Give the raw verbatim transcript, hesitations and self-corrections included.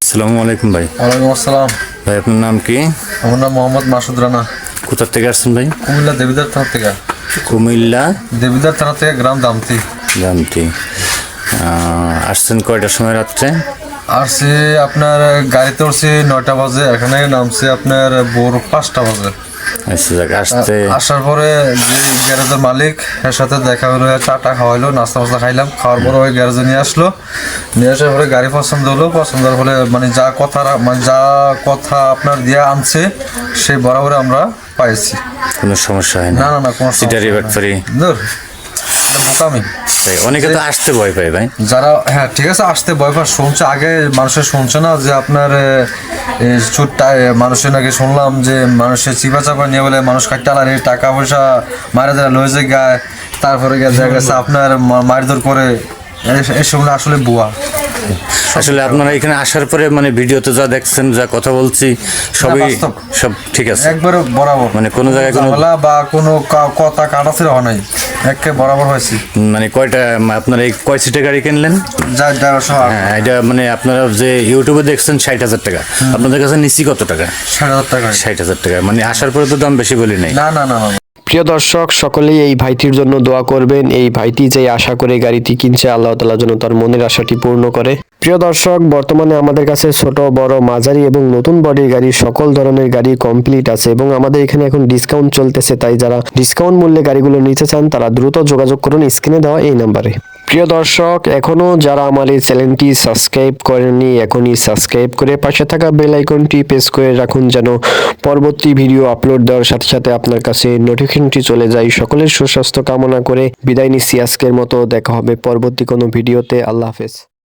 আসসালামু আলাইকুম ভাই। ওয়ালাইকুম আসসালাম। ভাই আপনার নাম কি? আমার নাম মোহাম্মদ মাসুদ রানা। কোথা থেকে আসছেন ভাই? কুমিল্লা দেবিদার থানা থেকে। কুমিল্লা দেবিদার থানা থেকে, গ্রাম দামতি। জানতি আসছেন কয়টার সময় রাত্রে? আসছে আপনার গাড়িতে উঠছি নয়টা বাজে, এখানে নামছে আপনার ভোর পাঁচটা বাজে। আচ্ছা যাক, আসতে আসার পরে যে গ্যারেজের মালিক এর সাথে দেখা হলো, চাটা খাওয়াইলো, নাস্তা ফাস্তা খাইলাম। খাওয়ার পরে ওই গ্যারেজে নিয়ে আসলো। নিয়ে আসার পরে গাড়ি পছন্দ হলো, পছন্দ হওয়ার ফলে মানে যা কথা মানে যা কথা আপনার দিয়ে আনছে সেই বরাবর আমরা পাইছি। কোনো সমস্যা হয় না? না না না কোনো সিটারি ব্যাটফারি ধর এটা বোকামি। তাই অনেকে তো আসতে ভয় পায় ভাই। যারা হ্যাঁ ঠিক আছে আসতে ভয় পায়, শুনছে আগে মানুষের শুনছে না যে আপনার চুটটা মানুষের নাকি শুনলাম যে মানুষের চিপা চাপা নিয়ে বলে মানুষ কাটালার টাকা পয়সা মারা যারা লয়ে যায় গায়ে, তারপরে গিয়ে দেখা গেছে আপনার মারধর করে, এসব না আসলে বুয়া। আসলে আপনারা এখানে আসার পরে মানে ভিডিওতে যা দেখছেন, যা কথা বলছি সবই সব ঠিক আছে একবারে বরাবর, মানে কোনো জায়গায় কোনো ঝামেলা বা কোনো কা- কথা কাটাছিড়া হয় নাই, একে বরাবর হয়েছি। মানে কয়টা আপনারা এই কয় সিটের গাড়ি কিনলেন? যা ড্রাইভার সহ হ্যাঁ, এটা মানে আপনারা যে ইউটিউবে দেখছেন ষাট হাজার টাকা, আপনাদের কাছে নিচ্ছি কত টাকা? ষাট হাজার টাকা। ষাট হাজার টাকা মানে আসার পরে তো দাম বেশি বলি নাই। না না না না প্রিয় দর্শক, সকলেই এই ভাইটির জন্য দোয়া করবেন। এই ভাইটি যে আশা করে গাড়িটি কিনছে, আল্লাহ তাআলা যেন তার মনের আশাটি পূর্ণ করে। প্রিয় দর্শক, বর্তমানে আমাদের কাছে ছোট বড় মাঝারি এবং নতুন বডির গাড়ি সকল ধরনের গাড়ি কমপ্লিট আছে এবং আমাদের এখানে এখন ডিসকাউন্ট চলতেছে। তাই যারা ডিসকাউন্ট মূল্যে গাড়িগুলো নিতে চান তারা দ্রুত যোগাযোগ করুন স্ক্রিনে দেওয়া এই নাম্বারে। প্রিয় দর্শক, এখনো যারা আমার এই চ্যানেলটি সাবস্ক্রাইব করেননি, এখনই সাবস্ক্রাইব করে পাশে থাকা বেল আইকনটি প্রেস করে রাখুন যেন পরবর্তী ভিডিও আপলোড দেওয়ার সাথে সাথে আপনার কাছে নোটিফিকেশনটি চলে যায়। সকলের সুস্বাস্থ্য কামনা করে বিদায় নিচ্ছি আজকের মতো। দেখা হবে পরবর্তী কোনো ভিডিওতে। আল্লাহ হাফেজ।